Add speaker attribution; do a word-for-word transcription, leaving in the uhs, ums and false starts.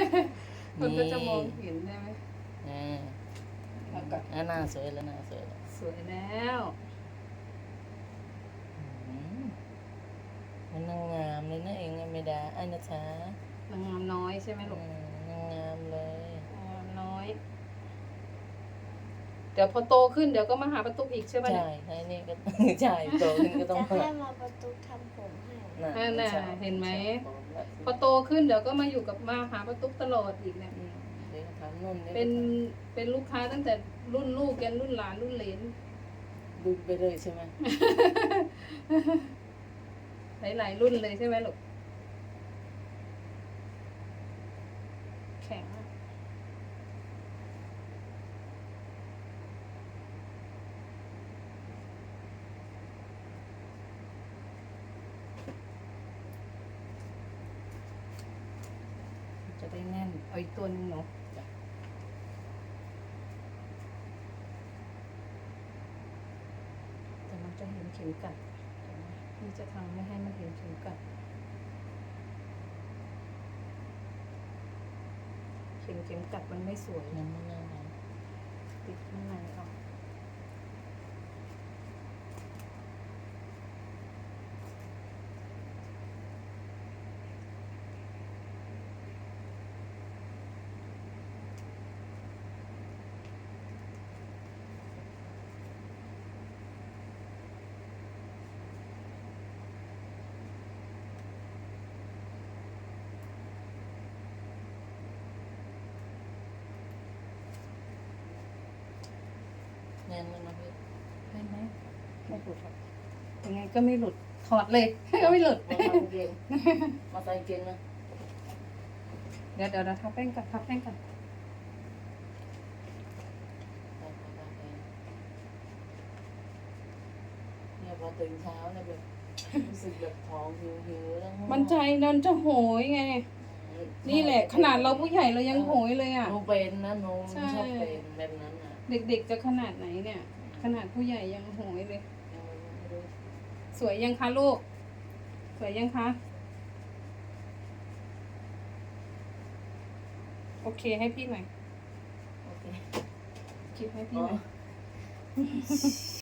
Speaker 1: มันก็จะมองเห็นใช่ไหม
Speaker 2: อ่า
Speaker 1: แล้วก็
Speaker 2: อ่าหน้าสวยแล้วหน้าสวยแล้ว
Speaker 1: สวยแล้ว
Speaker 2: อืมมันนางงามเลยนะเองไม่ได้ไอ้นะจ๊ะ
Speaker 1: นางงามน้อยใช่ไหม
Speaker 2: อื
Speaker 1: ลูก
Speaker 2: มนางงามเลย
Speaker 1: นางงามน้อย เดี๋ยวพอโตขึ้นเดี๋ยวก็มาหาประตูอีกใช่ไหม
Speaker 2: ใช่ใช่นี่ก็ ใช่โตขึ้นก็ต้อง
Speaker 3: จะ
Speaker 2: มา
Speaker 3: ให้มาประตูทำผมให้
Speaker 2: น่ะ
Speaker 1: นั่นน่ะ
Speaker 2: ใช่
Speaker 1: เห็นไหม
Speaker 2: ใช่แล้ว
Speaker 1: พอโตขึ้นเดี๋ยวก็มาอยู่กับมาหาประตูตลอดอีกเนี่ย
Speaker 2: อืมเดี๋ยวทำนู่นดี๋ยว
Speaker 1: เป็น
Speaker 2: ท
Speaker 1: เป็นลูกค้าตั้งแต่รุ่นลูกยันรุ่นหลานรุ่นเหลน
Speaker 2: ำดูไปเลยใช่ไหม
Speaker 1: หลายๆรุ่นเลยใช่ไหมลูกแข็งอะจะได้แน่นเอาอีกตัวหนึงเนาะแต่มันจะเห็นเข็มกัดนี่จะทำไม่ให้มันเห็นเข็มกัดเข็มเข็มกัดมันไม่สวย
Speaker 2: มันไม่น่ารัก
Speaker 1: ติดข้างในเอา
Speaker 2: แน่นแล้วนะพี่
Speaker 1: ได้ไหมไม่หลุดหรอกยังไงก็ไม่หลุด ถอดเลย ก็ไม่หลุด
Speaker 2: มาใส่เกงมาใส่เกงนะ
Speaker 1: เดี๋ยวเดี๋ยวเราทาแป้งก่อนทาแป้งก่อน
Speaker 2: ใส่ผ้าใส่เนี่ยพอตื่นเช้าเนี่ยแบบรู้สึกแบบท้องหิวหิวๆแล้วง่วง
Speaker 1: มันใจนันจะโหยไง นี่แหละ ขนาดเราผู้ใหญ่เรายังโหยเลยอ่ะ
Speaker 2: หนูเป็นนะหนู
Speaker 1: ใช่
Speaker 2: ชอบเป็นแบบนั้นอ่ะ
Speaker 1: เด็กๆจะขนาดไหนเนี่ย ขนาดผู้ใหญ่ยังโหยเลย
Speaker 2: ยังไม่รู้
Speaker 1: สวยยังคะลูก สวยยังคะ โอเคให้พี่หน่อย
Speaker 2: โอเค
Speaker 1: คลิปให้พี่
Speaker 2: อ๋
Speaker 1: หน่อย
Speaker 2: อ